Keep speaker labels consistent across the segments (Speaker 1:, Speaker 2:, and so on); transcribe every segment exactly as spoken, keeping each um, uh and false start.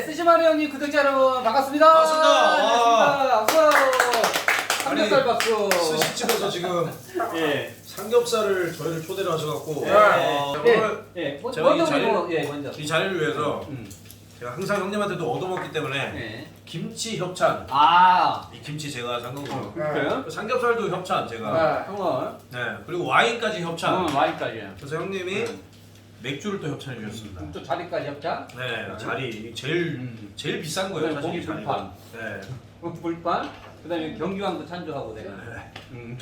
Speaker 1: 스시마루 형님 구독자 여러분 반갑습니다.
Speaker 2: 반갑습니다.
Speaker 1: 반갑습니다. 삼겹살 박수.
Speaker 2: 스시집에서 지금
Speaker 1: 예.
Speaker 2: 삼겹살을 저희를 초대를 하셔갖고
Speaker 1: 예.
Speaker 2: 어,
Speaker 1: 예.
Speaker 2: 오늘
Speaker 1: 예. 뭐,
Speaker 2: 제가 이
Speaker 1: 먼저
Speaker 2: 자리를-
Speaker 1: 우리 예, 먼저.
Speaker 2: 이 자리를 위해서
Speaker 1: 음.
Speaker 2: 제가 항상 형님한테도 얻어먹기 때문에
Speaker 1: 예.
Speaker 2: 김치 협찬,
Speaker 1: 아.
Speaker 2: 이 김치 제가 산 거고요.
Speaker 1: 그래요?
Speaker 2: 삼겹살도 협찬 제가.
Speaker 1: 아, 형은
Speaker 2: 네. 그리고 와인까지 협찬.
Speaker 1: 음, 와인까지야.
Speaker 2: 그래서 형님이
Speaker 1: 음.
Speaker 2: 맥주를 또 협찬해 주셨습니다.
Speaker 1: 또 자리까지 협찬.
Speaker 2: 네, 자리 제일
Speaker 1: 음.
Speaker 2: 제일 비싼 거예요.
Speaker 1: 그다음에
Speaker 2: 사실 이
Speaker 1: 고기
Speaker 2: 자리가. 네.
Speaker 1: 불판. 그다음에 경규왕도 찬조하고 내가.
Speaker 2: 네.
Speaker 1: 음.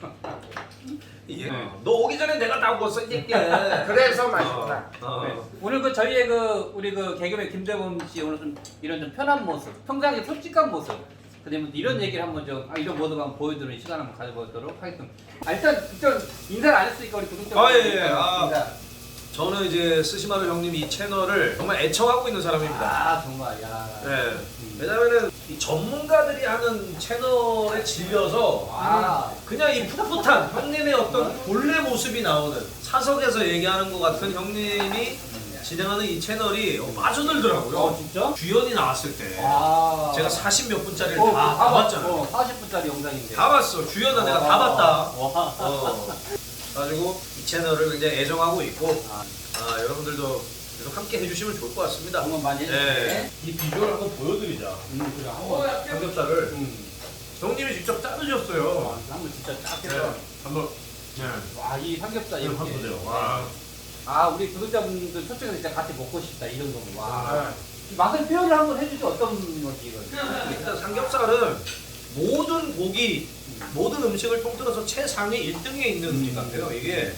Speaker 2: 이게
Speaker 1: 네.
Speaker 2: 너 오기 전에 내가 다 먹었어 이 새끼야.
Speaker 3: 그래서 맛있구나.
Speaker 2: 어, 어.
Speaker 1: 네. 오늘 그 저희의 그 우리 그 개그맨 김대범 씨 오늘 좀 이런 좀 편한 모습, 평상시 솔직한 모습, 그다음에 이런 얘기를 한번 좀 아, 이런 모습 한번 보여드리는 시간 한번 가져보도록 하겠습니다. 아, 일단 일단 인사를 안 했으니까 우리 구독자
Speaker 2: 아, 예, 예. 아. 저는 이제 스시마루 형님 이 채널을 정말 애청하고 있는 사람입니다.
Speaker 1: 아 정말 야.
Speaker 2: 네. 왜냐면은 이 전문가들이 하는 채널에 질려서
Speaker 1: 아.
Speaker 2: 그냥 이 풋풋한 형님의 어떤 본래 모습이 나오는 사석에서 얘기하는 것 같은 형님이 진행하는 이 채널이 빠져들더라고요.
Speaker 1: 어 진짜?
Speaker 2: 주연이 나왔을 때
Speaker 1: 아.
Speaker 2: 제가 사십 몇 분짜리를
Speaker 1: 어,
Speaker 2: 다,
Speaker 1: 다
Speaker 2: 다
Speaker 1: 봤-
Speaker 2: 봤잖아요.
Speaker 1: 어, 사십 분짜리 영상인데.
Speaker 2: 다 봤어. 주연은 내가 다
Speaker 1: 와.
Speaker 2: 봤다.
Speaker 1: 와.
Speaker 2: 어. 그래가지고 이 채널을 굉장히 애정하고 있고
Speaker 1: 아,
Speaker 2: 아, 여러분들도 계속 함께 해주시면 좋을 것 같습니다.
Speaker 1: 응원 많이 해주세요.
Speaker 2: 네. 이 비주얼 한번 보여드리자.
Speaker 1: 음, 그래 한번.
Speaker 2: 삼겹살을
Speaker 1: 음.
Speaker 2: 형님이 직접 자르셨어요.
Speaker 1: 아, 한번 진짜 쫙
Speaker 2: 네.
Speaker 1: 해서.
Speaker 2: 한번 네.
Speaker 1: 와, 이 삼겹살
Speaker 2: 이거
Speaker 1: 이렇게.
Speaker 2: 한번 보세요. 와.
Speaker 1: 아, 우리 구독자분들 솔직히 진짜 같이 먹고 싶다 이 정도면. 와.
Speaker 2: 아.
Speaker 1: 이 맛을 표현을 한번 해주죠. 어떤 거지 이거.
Speaker 2: 일단 삼겹살은 모든 고기, 모든 음식을 통틀어서 최상위 일 등에 있는 음식 같아요. 이게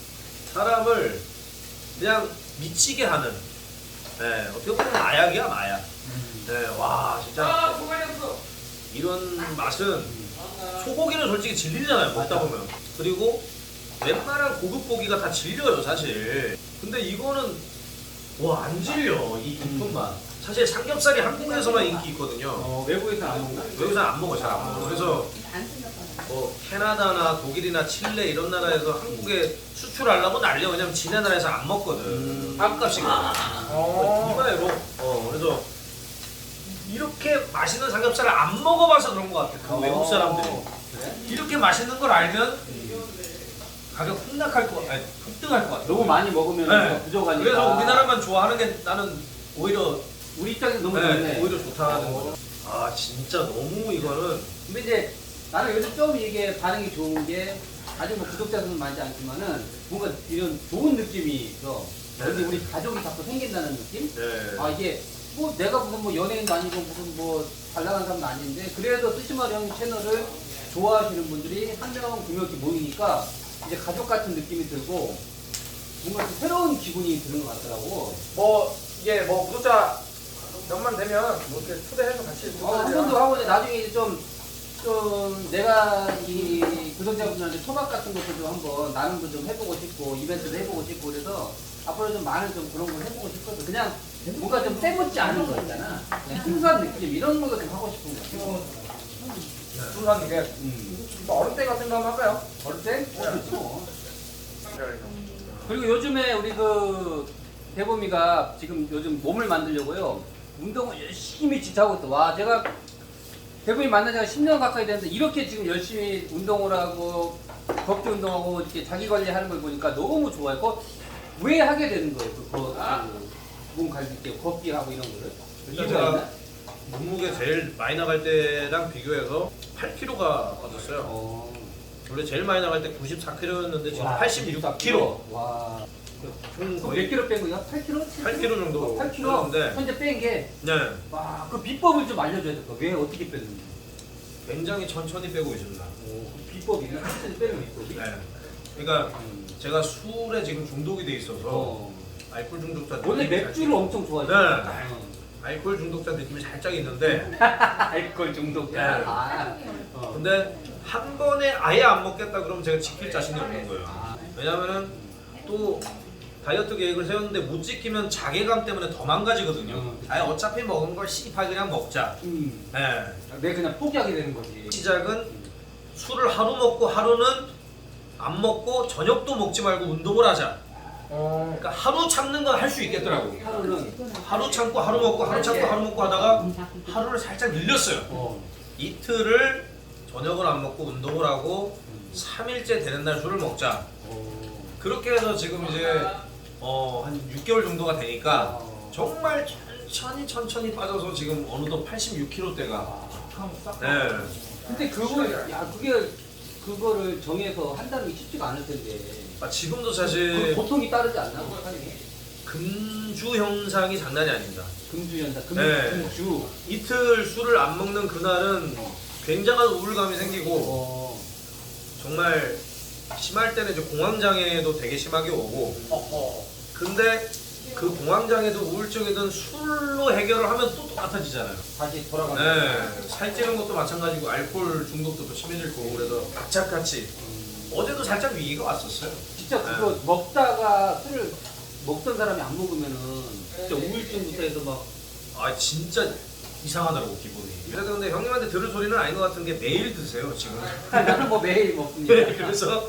Speaker 2: 사람을 그냥 미치게 하는. 네, 어떻게 보면 마약이야 마약. 네, 와 진짜 이런 맛은 소고기는 솔직히 질리잖아요 먹다 보면. 그리고 웬만한 고급 고기가 다 질려요 사실. 근데 이거는 와 안 질려 이 깊은 맛. 사실 삼겹살이 한국에서만 인기 있거든요.
Speaker 1: 어, 외국에서는 안 먹나?
Speaker 2: 여기서 안 먹어 잘 안 먹어. 그래서 뭐 캐나다나 독일이나 칠레 이런 나라에서 한국에 수출하려고 난리야. 왜냐면 지네 나라에서 안 먹거든.
Speaker 1: 음.
Speaker 2: 밥값이거든.
Speaker 3: 어.
Speaker 2: 이마에로. 어 그래서 이렇게 맛있는 삼겹살을 안 먹어봐서 그런 것 같아. 그 외국 사람들이
Speaker 1: 그래?
Speaker 2: 이렇게 맛있는 걸 알면 가격 폭락할 것, 아니 급등할 것 같아.
Speaker 1: 너무 많이 먹으면
Speaker 2: 네.
Speaker 1: 부족하니까.
Speaker 2: 그래서 우리나라만 좋아하는 게 나는 오히려
Speaker 1: 우리 입장에서 너무
Speaker 2: 네,
Speaker 1: 좋네.
Speaker 2: 오히려 좋다는 거죠. 아 진짜 너무 이거는
Speaker 1: 근데 이제 나는 요즘 좀 이게 반응이 좋은 게 아직 뭐 구독자 수는 많지 않지만은 뭔가 이런 좋은 느낌이 있어. 근데
Speaker 2: 네.
Speaker 1: 우리 가족이 자꾸 생긴다는 느낌?
Speaker 2: 네.
Speaker 1: 아 이게 뭐 내가 무슨 뭐 연예인도 아니고 무슨 뭐 잘 나간 사람도 아닌데 그래도 스시마루 형 채널을 좋아하시는 분들이 한 명, 두 명씩 모이니까 이제 가족 같은 느낌이 들고 뭔가 좀 새로운 기분이 드는 것 같더라고.
Speaker 3: 뭐 이게 뭐 구독자 몇만 되면 뭐 이렇게 초대해서 같이
Speaker 1: 어, 한 번도 하고 이제 나중에 이제 좀, 좀 내가 이 구독자분들한테 토박 같은 것도 좀 한번 나눔도 좀 해보고 싶고 이벤트도 해보고 싶고 그래서 앞으로 좀 많은 좀 그런 걸 해보고 싶거든. 그냥 뭔가 좀 때묻지 않은 거 있잖아. 그냥 순수한 느낌 이런 거도 좀 하고 싶은 거 같아.
Speaker 3: 순수한 게
Speaker 1: 음.
Speaker 3: 뭐 얼음 때 같은 거 한번 할까요?
Speaker 1: 어릴 때? 어, 그렇지 뭐. 그리고 요즘에 우리 그 대범이가 지금 요즘 몸을 만들려고요. 운동을 열심히 진짜 하고 있어. 와, 제가 대범이 만난 지가 십 년 가까이 됐는데 이렇게 지금 열심히 운동을 하고 걷기 운동하고 이렇게 자기 관리하는 걸 보니까 너무 좋아요. 그거 왜 하게 되는 거예요? 그, 그, 그, 몸 관리 때 걷기 하고 이런 거를?
Speaker 2: 일단
Speaker 1: 이유가 있나?
Speaker 2: 제가 몸무게 제일 많이 나갈 때랑 비교해서 팔 킬로그램가 빠졌어요.
Speaker 1: 어.
Speaker 2: 원래 제일 많이 나갈 때 구십사 킬로그램였는데 지금
Speaker 1: 와,
Speaker 2: 팔십육 킬로그램.
Speaker 1: 와.
Speaker 2: 총
Speaker 1: 몇
Speaker 2: 거의
Speaker 1: 킬로 뺀 거야? 팔 킬로?
Speaker 2: 팔 킬로그램 정도
Speaker 1: 팔 킬로?
Speaker 2: 뺐는데
Speaker 1: 현재 뺀 게,
Speaker 2: 네,
Speaker 1: 와, 그 비법을 좀 알려줘야 될 거야. 왜 어떻게 뺐는지.
Speaker 2: 굉장히 천천히 빼고 있습니다.
Speaker 1: 오, 그 비법이, 천천히 빼는 비법이.
Speaker 2: 네. 그러니까
Speaker 1: 음.
Speaker 2: 제가 술에 지금 중독이 돼 있어서
Speaker 1: 어.
Speaker 2: 알코올 중독자
Speaker 1: 원래
Speaker 2: 느낌이
Speaker 1: 맥주를
Speaker 2: 살짝-
Speaker 1: 엄청 좋아해.
Speaker 2: 네. 알코올 중독자 느낌이 살짝 있는데
Speaker 1: 알코올 중독자.
Speaker 2: 네.
Speaker 1: 아, 어.
Speaker 2: 근데 한 번에 아예 안 먹겠다 그러면 제가 지킬 자신이 없는 거예요.
Speaker 1: 아.
Speaker 2: 왜냐면은 또 다이어트 계획을 세웠는데 못 지키면 자괴감 때문에 더 망가지거든요.
Speaker 1: 음.
Speaker 2: 아예 어차피 먹은 걸 씨발 그냥 먹자.
Speaker 1: 음.
Speaker 2: 네.
Speaker 1: 내가 그냥 포기하게 되는 거지.
Speaker 2: 시작은 술을 하루 먹고 하루는 안 먹고 저녁도 먹지 말고 운동을 하자.
Speaker 3: 어.
Speaker 2: 그러니까 하루 참는 건 할 수 있겠더라고.
Speaker 1: 하루는
Speaker 2: 하루 참고 하루 먹고 하루 참고 하루 먹고 하다가 하루를 살짝 늘렸어요.
Speaker 1: 어.
Speaker 2: 이틀을 저녁을 안 먹고 운동을 하고 삼 일째 되는 날 술을 먹자.
Speaker 1: 어.
Speaker 2: 그렇게 해서 지금 이제 어, 한 육 개월 정도가 되니까
Speaker 1: 어.
Speaker 2: 정말 천천히 천천히 빠져서 지금 어느덧 팔십육 킬로대가. 네.
Speaker 1: 근데 그걸 야 그게 그거를 정해서 한다는 게 쉽지가 않을 텐데.
Speaker 2: 아, 지금도
Speaker 1: 그
Speaker 2: 사실
Speaker 1: 고통이 따르지 않나?
Speaker 2: 금주 현상이 장난이 아닙니다.
Speaker 1: 금주 연사, 금,
Speaker 2: 네.
Speaker 1: 금주.
Speaker 2: 이틀 술을 안 먹는 그날은 굉장한 우울감이 생기고
Speaker 1: 어.
Speaker 2: 정말 심할 때는 이제 공황장애도 되게 심하게 오고
Speaker 3: 어허.
Speaker 2: 근데 그 공황장애도 우울증이든 술로 해결을 하면 또 똑같아지잖아요.
Speaker 1: 다시 돌아가는.
Speaker 2: 네, 살찌는 것도 마찬가지고 알코올 중독도 또 심해질 거고 그래서 악착같이 어제도 살짝 위기가 왔었어요.
Speaker 1: 진짜 그거 먹다가 술을 먹던 사람이 안 먹으면은 진짜 우울증부터 해서 막
Speaker 2: 아 진짜 이상하더라고 기분이. 그래도 근데 형님한테 들을 소리는 아닌 것 같은 게 매일 드세요 지금.
Speaker 1: 나는 뭐 매일 먹습니다.
Speaker 2: 그래서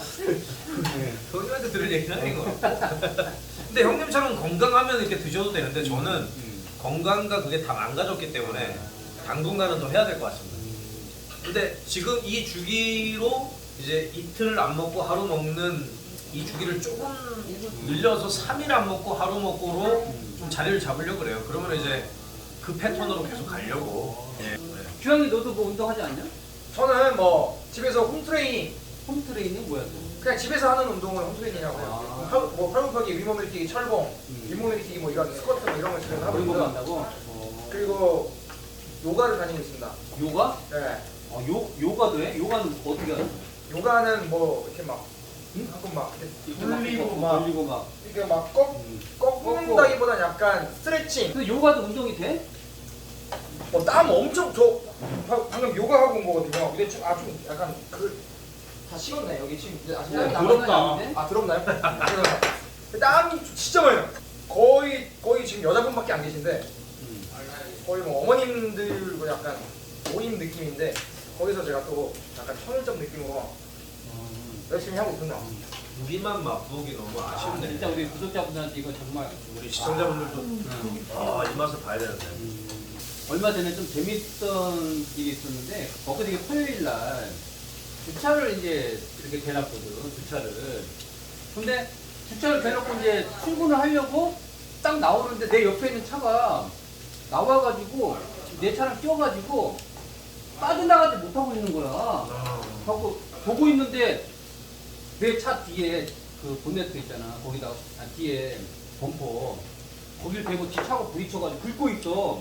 Speaker 2: 형님한테 들을 얘기는 아닌 것 같고. 근데 형님처럼 건강하면 이렇게 드셔도 되는데 저는
Speaker 1: 음.
Speaker 2: 건강과 그게 다 망가졌기 때문에 당분간은 더 해야 될 것 같습니다. 근데 지금 이 주기로 이제 이틀 안 먹고 하루 먹는 이 주기를 조금 늘려서 삼 일 안 먹고 하루 먹고로 좀 자리를 잡으려고 그래요. 그러면 이제 그 패턴으로 계속 가려고. 예. 네.
Speaker 1: 규영이 너도 뭐 운동하지 않냐?
Speaker 3: 저는 뭐 집에서 홈트레이닝
Speaker 1: 홈트레이닝 뭐야 또?
Speaker 3: 그냥 집에서 하는 운동을 홈트레이닝이라고 해요.
Speaker 1: 아.
Speaker 3: 팔- 뭐 팔굽혀펴기, 위몸 일으키기, 철봉,
Speaker 1: 음.
Speaker 3: 윗몸 일으키기 뭐 이런 스쿼트 뭐 이런 걸 집에서 하고
Speaker 1: 그런 거
Speaker 3: 있고요.
Speaker 1: 한다고? 어.
Speaker 3: 그리고 요가를 다니고 있습니다.
Speaker 1: 요가?
Speaker 3: 네.
Speaker 1: 어, 요 요가도 해? 요가는 어떻게 하는 거야?
Speaker 3: 요가는 뭐 이렇게 막
Speaker 1: 응?
Speaker 3: 한번 막 이렇게
Speaker 1: 막
Speaker 3: 돌리고
Speaker 1: 꺾고
Speaker 3: 막
Speaker 1: 돌리고 막.
Speaker 3: 이렇게 막 꺾,
Speaker 1: 음.
Speaker 3: 꺾는다기보다는 약간 스트레칭.
Speaker 1: 근데 요가도 운동이 돼?
Speaker 3: 어, 땀 엄청 저 바- 방금 요가 하고 온 거거든요. 근데 좀, 아, 좀 약간 그 다 식었네 여기 지금. 근데 아직 땀이
Speaker 1: 어,
Speaker 3: 남았나요?
Speaker 1: 더럽다.
Speaker 3: 아 더럽나요? 죄송합니다. 땀이 진짜 많이 나. 거의 거의 지금 여자분밖에 안 계신데
Speaker 1: 음.
Speaker 3: 거의 뭐 어머님들과 약간 모임 느낌인데 거기서 제가 또 약간 천을점 느낌으로
Speaker 1: 음.
Speaker 3: 열심히 하고 있습니다.
Speaker 2: 우리만 맛보기 너무
Speaker 1: 아,
Speaker 2: 아쉽네.
Speaker 1: 진짜 우리 구독자분들한테 이거 정말
Speaker 2: 우리 시청자분들도
Speaker 1: 음.
Speaker 2: 아, 이 맛을 봐야 되는데.
Speaker 1: 음. 얼마 전에 좀 재밌던 일이 있었는데 엊그저께 토요일 날 주차를 이제 이렇게 대놨거든 주차를. 근데 주차를 대놓고 이제 출근을 하려고 딱 나오는데 내 옆에 있는 차가 나와가지고 내 차랑 껴가지고 빠져나가지 못하고 있는 거야.
Speaker 2: 아,
Speaker 1: 하고 보고 있는데 내 차 뒤에 그 본네트 있잖아. 거기다 아, 뒤에 범퍼 거길 대고 뒤 차가 부딪혀가지고 긁고 있어.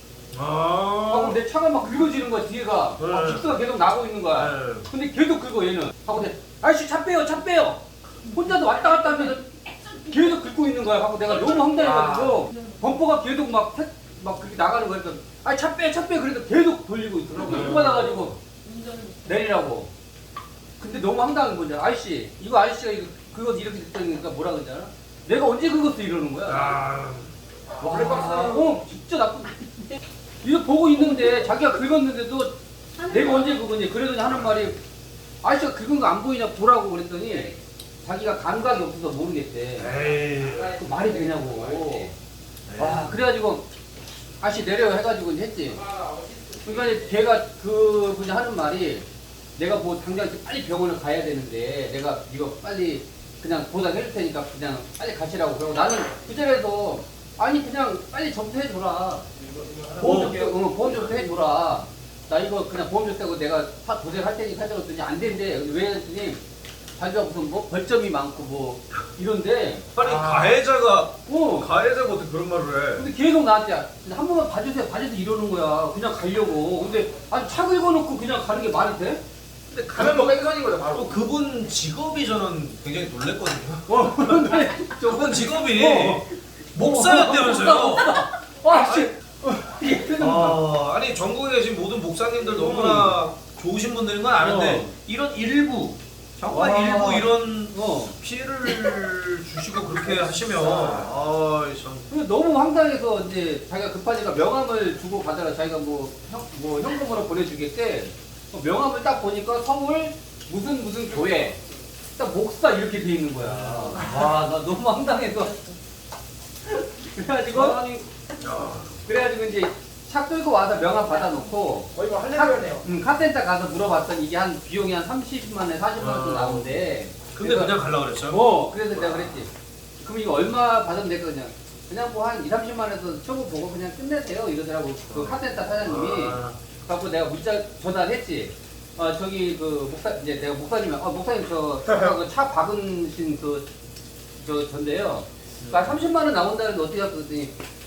Speaker 1: 하고
Speaker 2: 아,
Speaker 1: 내 차가 막 긁어지는 거야 뒤에가.
Speaker 2: 네.
Speaker 1: 막 빅스가 계속 나고 있는 거야.
Speaker 2: 네.
Speaker 1: 근데 계속 긁어 얘는. 하고 내 아저씨 차 빼요 차 빼요. 혼자도 왔다 갔다 하면서 계속 긁고 있는 거야. 하고 내가 너무 황당해가지고 범퍼가 계속 막 막 그렇게 나가는 거야. 그러니까 아니 차 빼 차 빼 그래도 계속 돌리고 있더라고.
Speaker 2: 네.
Speaker 1: 열 받아가지고 내리라고. 근데 너무 황당한 거지. 아저씨 이거 아저씨가 이거 그거 이렇게 됐다니까 뭐라 그러잖아. 내가 언제 그것도 이러는 거야.
Speaker 2: 아,
Speaker 1: 와, 어, 진짜 나쁜. 이거 보고 있는데 자기가 긁었는데도 내가 언제 긁었니? 그러더니 하는 말이 아저씨가 긁은 거 안 보이냐 보라고 그랬더니 자기가 감각이 없어서 모르겠대.
Speaker 2: 에이.
Speaker 1: 그 말이 되냐고. 와, 그래가지고 아저씨 내려 해가지고 이제 했지. 그러니까 이제 걔가 그 분이 하는 말이 내가 뭐 당장 빨리 병원을 가야 되는데 내가 이거 빨리 그냥 보상해줄 테니까 그냥 빨리 가시라고. 그러고 나는 그 자리에서 아니 그냥 빨리 접수해줘라. 보험 접수, 어, 보험 접수 해줘라. 나 이거 그냥 보험 접수하고 내가 다 도색할 테니까 하자고 했더니 안 된대. 근데 왜 했더니 자기가 무슨 뭐 벌점이 많고 뭐 이런데
Speaker 2: 아니
Speaker 3: 아.
Speaker 2: 가해자가
Speaker 1: 어.
Speaker 2: 가해자가 어떻게 그런 말을 해?
Speaker 1: 근데 계속 나한테 한 번만 봐주세요 봐주세요 이러는 거야. 그냥 가려고. 근데 아니 차 긁어놓고 그냥 가는 게 말이 돼?
Speaker 2: 근데
Speaker 3: 가면 뭐
Speaker 2: 그,
Speaker 3: 뺑선인 거죠 바로.
Speaker 2: 또 그분 직업이 저는 굉장히 놀랬거든요.
Speaker 1: 어 그런데
Speaker 2: 저분 직업이
Speaker 1: 어.
Speaker 2: 목사였다면서요?
Speaker 1: 아 씨. 이러는 거야.
Speaker 2: 아, 아니 전국에 계신 모든 목사님들 너무나 좋으신 분들인 건 아는데
Speaker 1: 어.
Speaker 2: 이런 일부 정말
Speaker 1: 와.
Speaker 2: 일부 이런
Speaker 1: 어.
Speaker 2: 피해를 주시고 그렇게 하시면 아, 참.
Speaker 1: 근데 너무 황당해서 이제 자기가 급하니까 명함을 주고 가다가 자기가 뭐, 형, 뭐 현금으로 보내주겠대. 어, 명함을 딱 보니까 서울 무슨 무슨 교회 딱 목사 이렇게 돼 있는 거야. 와, 나 너무 황당해서. 그래가지고
Speaker 2: 아니, 야.
Speaker 1: 그래가지고 이제 차 끌고 와서 명함 받아놓고
Speaker 3: 거의 뭐 할래요네요.
Speaker 1: 음, 카센터 가서 물어봤더니 이게 한 비용이 한 삼십만 원, 사십만 원 정도
Speaker 2: 아.
Speaker 1: 나오는데.
Speaker 2: 근데
Speaker 1: 그래서-
Speaker 2: 그냥 갈라 그랬어요?
Speaker 1: 어, 그래서 내가 그랬지. 그럼 이거 얼마 받으면 될까 그냥. 그냥 뭐 한 이삼십만 원에서 초보 보고 그냥 끝내세요 이러더라고. 그 카센터 사장님이.
Speaker 2: 아.
Speaker 1: 갖고 내가 문자 전화를 했지. 어 저기 그 목사 이제 내가 목사님 어 목사님 저 차 박으신 그 저 전데요. 그러니까 삼십만 원 나온다는데 어떻게 할까 그랬더니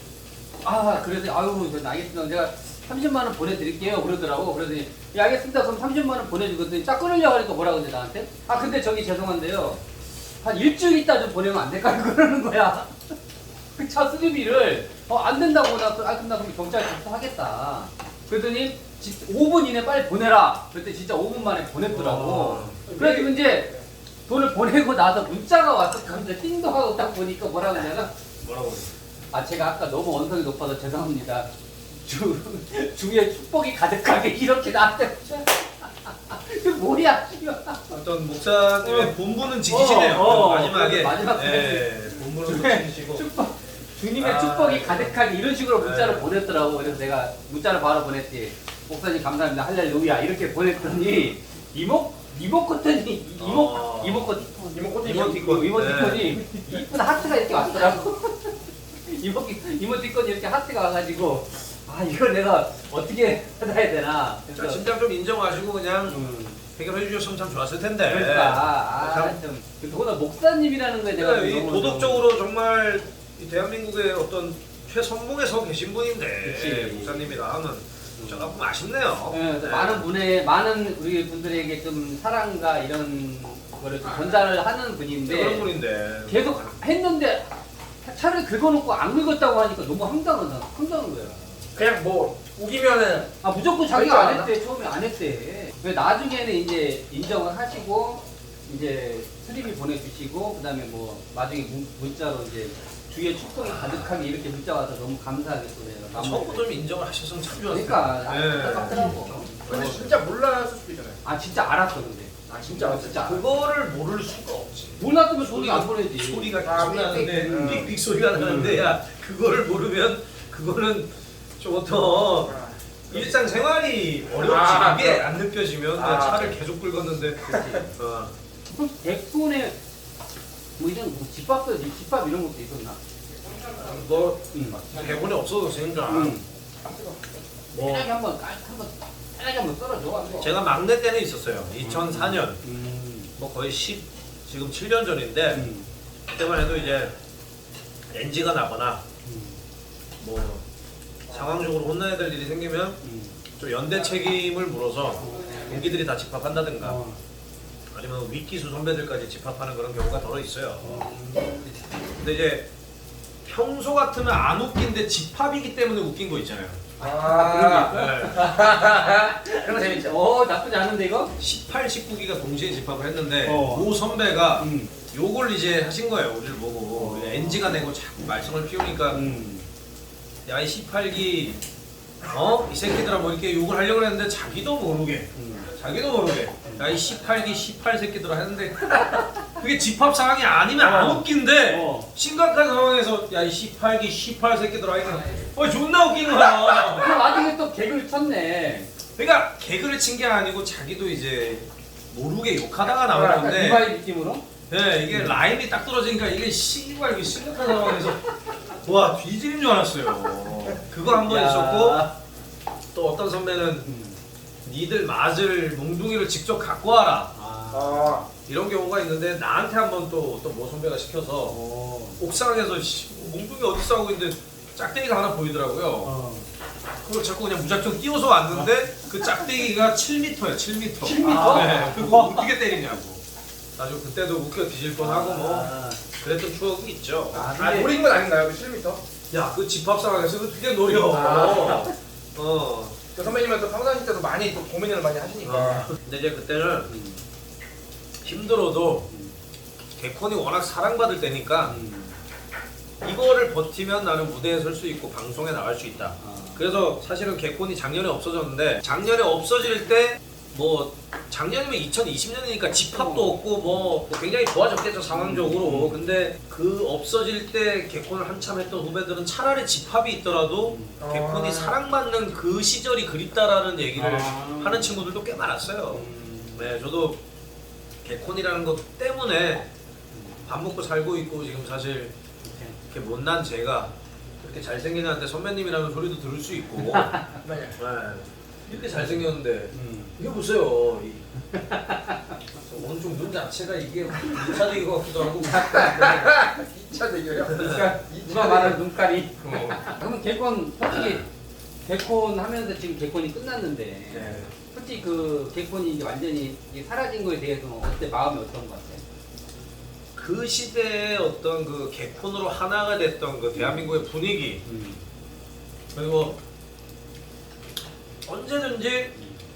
Speaker 1: 아 그래서 아유 저 알겠습니다. 제가 삼십만 원 보내드릴게요 그러더라고. 그러더니 예 알겠습니다. 그럼 삼십만 원 보내주거든요. 짝 끊으려고 하니까 뭐라 그러는데 나한테 아 근데 저기 죄송한데요. 한 일주일 있다 좀 보내면 안 될까요? 그러는 거야. 그 차 수리비를 어 안 된다고 나 아 그럼 나 그럼 경찰에 접수하겠다. 그랬더니 오 분 이내 빨리 보내라. 그랬더니 진짜 오 분 만에 보냈더라고.
Speaker 2: 어.
Speaker 1: 그래가지고 이제 돈을 보내고 나서 문자가 왔어. 근데 띵동 하고 딱 보니까 뭐라 그러냐면
Speaker 2: 뭐라고?
Speaker 1: 아 제가 아까 너무 언성이 높아서 죄송합니다. 주 주위에 축복이 가득하게 이렇게 나한테 그 뭐야?
Speaker 2: 어떤 목사님의
Speaker 1: 어.
Speaker 2: 본분은 지키시네요.
Speaker 1: 어, 어,
Speaker 2: 마지막에.
Speaker 1: 마지막
Speaker 2: 예, 본분은
Speaker 1: 주위에
Speaker 2: 지키시고.
Speaker 1: 축복 주님의
Speaker 2: 아,
Speaker 1: 축복이 가득하게 이런 식으로 문자를
Speaker 2: 네.
Speaker 1: 보냈더라고. 그래서 내가 문자를 바로 보냈지. 목사님 감사합니다. 할렐루야 이렇게 보냈더니 이모 이모코톤이 이모
Speaker 2: 어.
Speaker 1: 이모코
Speaker 3: 이모코톤이
Speaker 2: 이모티콘.
Speaker 1: 이모티콘이 이쁜 하트가 이렇게 왔더라고. 이모 이모티콘이 이렇게 하트가 와가지고 아 이걸 내가 어떻게 받아야 되나.
Speaker 2: 자,
Speaker 1: 그래서
Speaker 2: 진짜 좀 인정하시고 그냥
Speaker 1: 음,
Speaker 2: 해결해 주셨으면 참 좋았을 텐데.
Speaker 1: 그러니까
Speaker 2: 참.
Speaker 1: 아좀 더구나 목사님이라는 거에 내가
Speaker 2: 이
Speaker 1: 너무
Speaker 2: 도덕적으로 정말 이 대한민국의 어떤 최선봉에 서 계신 분인데
Speaker 1: 그치.
Speaker 2: 목사님이라 하면 조금 아쉽네요.
Speaker 1: 예, 그래서
Speaker 2: 네.
Speaker 1: 많은 분의 많은 우리 분들에게 좀 사랑과 이런 거를 좀 전달을 하는 분인데
Speaker 2: 그런 분인데
Speaker 1: 계속 했는데 차를 긁어놓고 안 긁었다고 하니까 너무 황당하다 황당한 거야.
Speaker 3: 그냥 뭐 우기면은
Speaker 1: 아 무조건 자기가 안
Speaker 3: 그러니까
Speaker 1: 했대. 처음에 안 했대. 왜 나중에는 이제 인정을 하시고 이제 수리비 보내주시고 그다음에 뭐 나중에 문, 문자로 이제 주위에 축복이 가득하게 이렇게 문자 와서 너무 감사하게 또 내가 마무리를
Speaker 2: 처음부터 좀 인정을 하셨으면 참 좋았을 텐데.
Speaker 1: 그러니까
Speaker 2: 네.
Speaker 1: 안타깝더라고.
Speaker 3: 근데 진짜 몰랐을 수도 있잖아요.
Speaker 1: 아 진짜 알았어 근데.
Speaker 3: 아 진짜
Speaker 1: 진짜.
Speaker 2: 그거를 모를 수가 없지.
Speaker 1: 몰랐으면 돈이 안 보내지.
Speaker 2: 소리가
Speaker 3: 아,
Speaker 2: 계속 나는데
Speaker 3: 삑삑.
Speaker 2: 삑삑 소리가 나는데 야 그거를 모르면 그거는 좀더
Speaker 3: 아,
Speaker 2: 일상생활이 어렵지.
Speaker 3: 아,
Speaker 2: 이게
Speaker 3: 그럼.
Speaker 2: 안 느껴지면
Speaker 3: 아,
Speaker 2: 차를 계속 끌었는데 어.
Speaker 1: 백분에 뭐 이런 뭐 집밥도 집밥 이런 것도 있었나?
Speaker 2: 너
Speaker 1: 응.
Speaker 2: 대본에 없어졌으니까
Speaker 1: 응.
Speaker 2: 뭐
Speaker 1: 편하게 한번 깔 한번 편하게 한번 썰어줘. 한번.
Speaker 2: 제가 막내 때는 있었어요. 이천사 년
Speaker 1: 음.
Speaker 2: 뭐 거의 십 지금 칠 년 전인데
Speaker 1: 음.
Speaker 2: 그때만 해도 이제 엔지가 나거나
Speaker 1: 음.
Speaker 2: 뭐 상황적으로 혼나야 될 일이 생기면
Speaker 1: 음.
Speaker 2: 좀 연대 책임을 물어서 동기들이 다 집합한다든가
Speaker 1: 어.
Speaker 2: 아니면 윗기수 선배들까지 집합하는 그런 경우가 더러 있어요.
Speaker 1: 음.
Speaker 2: 근데 이제 평소 같으면 안 웃긴데 집합이기 때문에 웃긴 거 있잖아요.
Speaker 3: 아,
Speaker 2: 네.
Speaker 3: 그런 거 재밌죠.
Speaker 1: 어 나쁘지 않은데 이거?
Speaker 2: 십팔, 십구 기가 동시에 집합을 했는데
Speaker 1: 어.
Speaker 2: 모 선배가
Speaker 1: 음.
Speaker 2: 욕을 이제 하신 거예요. 우리를 보고 엔지가 내고 자꾸 말썽을 피우니까
Speaker 1: 음.
Speaker 2: 야 이 십팔 기 어? 이 새끼들아 뭐 이렇게 욕을 하려고 했는데 자기도 모르게
Speaker 1: 음.
Speaker 2: 자기도 모르게 야 이 십팔 기 십팔 새끼들아 했는데 그게 집합 상황이 아니면 안
Speaker 1: 어.
Speaker 2: 웃긴데
Speaker 1: 어.
Speaker 2: 심각한 상황에서 야 이 십팔 기 십팔 새끼들아 이거 어 존나 웃긴 거야.
Speaker 1: 그 와중에 또 개그를 쳤네.
Speaker 2: 그러니까 개그를 친 게 아니고 자기도 이제 모르게 욕하다가 나온
Speaker 1: 약간
Speaker 2: 건데
Speaker 1: 리바이 느낌으로?
Speaker 2: 네, 이게 라임이 딱 떨어지니까 이게 씨발 이게 심각한 상황에서 와 뒤지는 줄 알았어요. 그거 한 번
Speaker 1: 야.
Speaker 2: 있었고 또 어떤 선배는
Speaker 1: 음.
Speaker 2: 니들 맞을 몽둥이를 직접 갖고 와라
Speaker 1: 아.
Speaker 3: 아,
Speaker 2: 이런 경우가 있는데 나한테 한 번 또 어떤 모 선배가 시켜서
Speaker 1: 어.
Speaker 2: 옥상에서 씨, 몽둥이 어디서 하고 있는데 짝대기가 하나 보이더라고요.
Speaker 1: 어.
Speaker 2: 그걸 자꾸 그냥 무작정 띄워서 왔는데 그 짝대기가 칠 미터야 칠 미터.
Speaker 1: 칠 미터?
Speaker 2: 네, 그거 어떻게 때리냐고. 아주 그때도 웃겨 뒤질 뻔하고 뭐
Speaker 1: 아.
Speaker 2: 그랬던 추억이 있죠.
Speaker 1: 아,
Speaker 3: 아 노린 건 아닌가요? 그 칠 미터?
Speaker 2: 야, 그 집합 상황에서 어떻게 노려?
Speaker 3: 아.
Speaker 2: 어.
Speaker 3: 그 선배님은 또 평상시 때도 많이 또 고민을 많이 하시니까.
Speaker 2: 어. 근데 이제 그때는
Speaker 1: 음.
Speaker 2: 힘들어도
Speaker 1: 음.
Speaker 2: 개콘이 워낙 사랑받을 때니까
Speaker 1: 음.
Speaker 2: 이거를 버티면 나는 무대에 설 수 있고 방송에 나갈 수 있다.
Speaker 1: 아.
Speaker 2: 그래서 사실은 개콘이 작년에 없어졌는데 작년에 없어질 때 뭐 작년이면 이천이십 년이니까 집합도 없고 뭐 굉장히 좋아졌겠죠 상황적으로. 근데 그 없어질 때 개콘을 한참 했던 후배들은 차라리 집합이 있더라도
Speaker 3: 아.
Speaker 2: 개콘이 사랑받는 그 시절이 그립다라는 얘기를
Speaker 1: 아.
Speaker 2: 하는 친구들도 꽤 많았어요.
Speaker 1: 음.
Speaker 2: 네, 저도 개콘이라는 것 때문에 밥 먹고 살고 있고 지금 사실 이렇게 못난 제가 그렇게 잘생긴 한테 선배님이라는 소리도 들을 수 있고
Speaker 3: 네.
Speaker 2: 네, 이렇게 잘생겼는데
Speaker 1: 음.
Speaker 2: 이게 보세요. 이, 오른쪽 눈 자체가 이게 이 차 대기 같기도 하고.
Speaker 3: 이 차 대결이요?
Speaker 1: 그러니까
Speaker 3: 이
Speaker 1: 누가
Speaker 3: 차
Speaker 1: 말하는
Speaker 3: 대결.
Speaker 1: 눈깔이.
Speaker 2: 어.
Speaker 1: 그러면 개콘 솔직히 개콘 하면서 지금 개콘이 끝났는데
Speaker 2: 네.
Speaker 1: 솔직히 그 개콘이 이제 완전히 이게 사라진 거에 대해서는 어때 마음이 어떤 것 같아요?
Speaker 2: 그 시대의 어떤 그 개콘으로 하나가 됐던 그 대한민국의 분위기
Speaker 1: 음.
Speaker 2: 그리고 언제든지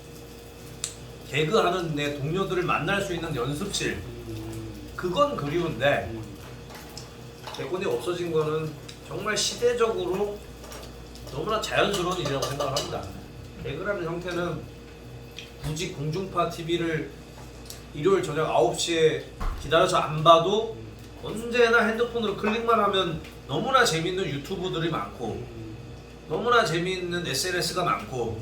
Speaker 2: 개그하는 내 동료들을 만날 수 있는 연습실
Speaker 1: 음.
Speaker 2: 그건 그리운데
Speaker 1: 음.
Speaker 2: 개콘이 없어진 거는 정말 시대적으로 너무나 자연스러운 일이라고 생각을 합니다. 개그라는 형태는 굳이 공중파 티비를 일요일 저녁 아홉 시에 기다려서 안 봐도 언제나 핸드폰으로 클릭만 하면 너무나 재밌는 유튜브들이 많고 너무나 재밌는 에스엔에스가 많고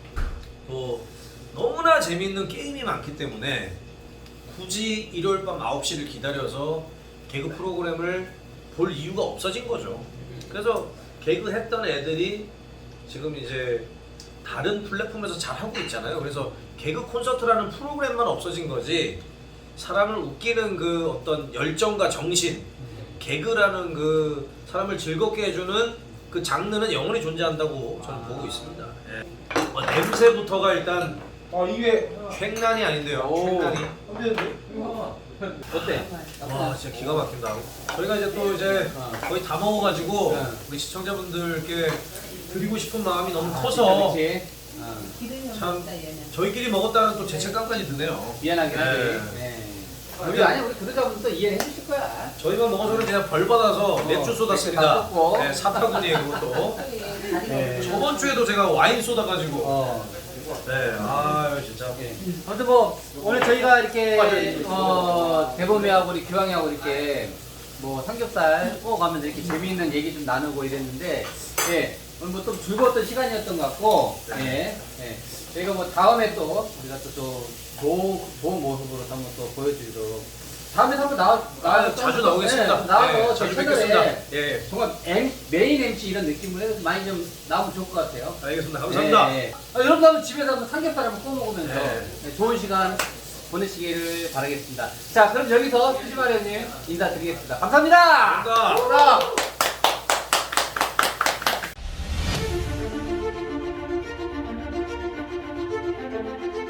Speaker 2: 또 너무나 재밌는 게임이 많기 때문에 굳이 일요일 밤 아홉 시를 기다려서 개그 프로그램을 볼 이유가 없어진 거죠. 그래서 개그 했던 애들이 지금 이제 다른 플랫폼에서 잘 하고 있잖아요. 그래서 개그 콘서트라는 프로그램만 없어진 거지 사람을 웃기는 그 어떤 열정과 정신 개그라는 그 사람을 즐겁게 해주는 그 장르는 영원히 존재한다고 저는 보고 있습니다. 예. 어, 냄새부터가 일단
Speaker 3: 아 이게
Speaker 2: 횡난이 아닌데요.
Speaker 1: 오.
Speaker 2: 횡난이.
Speaker 3: 근데 이거
Speaker 1: 어때?
Speaker 2: 와 진짜 기가 막힌다. 저희가 이제 또 이제
Speaker 1: 어.
Speaker 2: 거의 다 먹어가지고
Speaker 1: 네.
Speaker 2: 우리 시청자분들께 드리고 싶은 마음이 너무
Speaker 1: 아,
Speaker 2: 커서
Speaker 1: 그치? 어.
Speaker 2: 참 저희끼리 먹었다는 또 죄책감까지 드네요.
Speaker 1: 미안하긴
Speaker 2: 네.
Speaker 1: 하지. 네. 우리 아니 우리 구독자분도 이해해 주실 거야.
Speaker 2: 저희만 먹어서는 그냥 벌 받아서
Speaker 1: 어,
Speaker 2: 맥주 쏘다
Speaker 1: 맥주
Speaker 2: 씁니다.
Speaker 1: 다 쏟고.
Speaker 2: 네, 사타구니에 그것도.
Speaker 1: 네.
Speaker 2: 저번 주에도 제가 와인 쏘다 가지고.
Speaker 1: 어.
Speaker 2: 네, 아유 진짜.
Speaker 1: 예. 아무튼 뭐 오늘 저희가 이렇게 어 대범이하고 우리 기왕이하고 이렇게 뭐 삼겹살 구워가면서 이렇게 재미있는 얘기 좀 나누고 이랬는데 예 오늘 뭐 좀 즐거웠던 시간이었던 것 같고 예, 예. 저희가 뭐 다음에 또 우리가 또 좀 좋은 좋은 모습으로 한번 또 보여드리도록 다음에 한번 나와 나와
Speaker 2: 아, 자주 나오겠습니다.
Speaker 1: 네, 나와서
Speaker 2: 네,
Speaker 1: 저희
Speaker 2: 자주 뵙겠습니다.
Speaker 1: 채널에
Speaker 2: 예,
Speaker 1: 정말 엠, 메인 엠씨 이런 느낌으로 해서 많이 좀 나오면 좋을 것 같아요.
Speaker 2: 알겠습니다. 감사합니다.
Speaker 1: 예, 예. 아, 여러분도 한번 집에서 한번 삼겹살 한번 구워 먹으면서
Speaker 2: 네.
Speaker 1: 네, 좋은 시간 보내시기를 바라겠습니다. 자, 그럼 여기서 수지마련님 인사드리겠습니다. 감사합니다.
Speaker 2: 감사합니다.
Speaker 1: 감사합니다.